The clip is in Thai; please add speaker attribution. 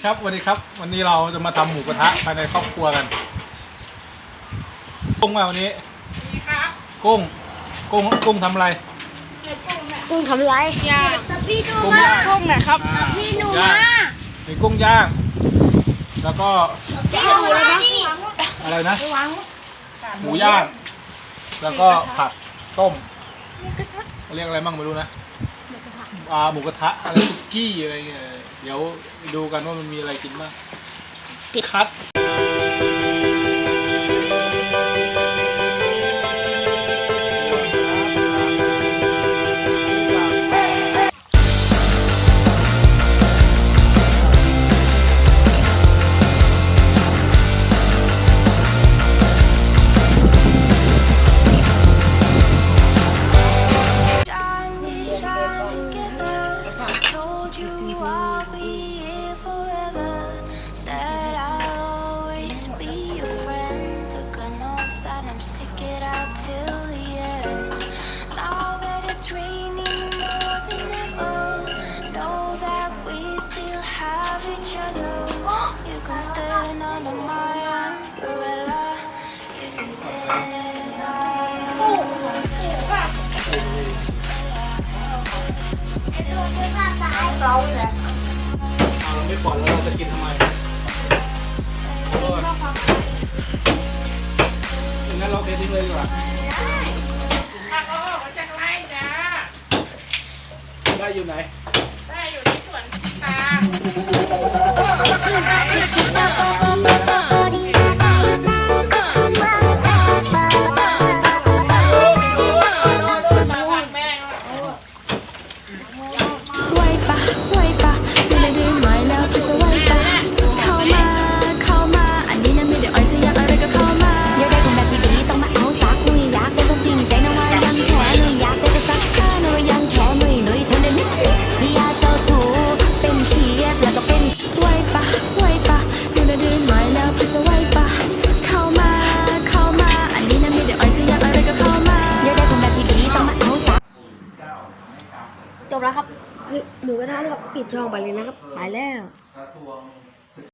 Speaker 1: ครับสวัสดีครับวันนี้เราจะมาทำหมูกระทะภายในครอบครัวกันกุ้งมาวันนี้กุ้งทำอะไร
Speaker 2: กุ้งทำไรย่างพี่ดูมากุ้งนะครับพี่หนูมา
Speaker 1: มีกุ้งย่างแล้วก็
Speaker 2: ดูเลยนะ
Speaker 1: อะไรนะหมูย่างแล้วก็ผักต้มเรียกอะไรบ้างไม่รู้นะหมูกระทะอะไรซุกี้อะไรเงี้ยเดี๋ยวดูกันว่ามันมีอะไรกินบ้างคัดเราไม่ปล่อยแล้วเราจะกินทำไมงั้นเราเททิ้งเลยดีกว่า
Speaker 3: ผักเอาออกมาจากไร่จ้า
Speaker 1: ได้อยู่ไหน
Speaker 3: ได้อยู่ที่สวนตา
Speaker 2: จบแล้วครับหมูกระทะครับปิดช่องไปเลยนะครับไปแล้ว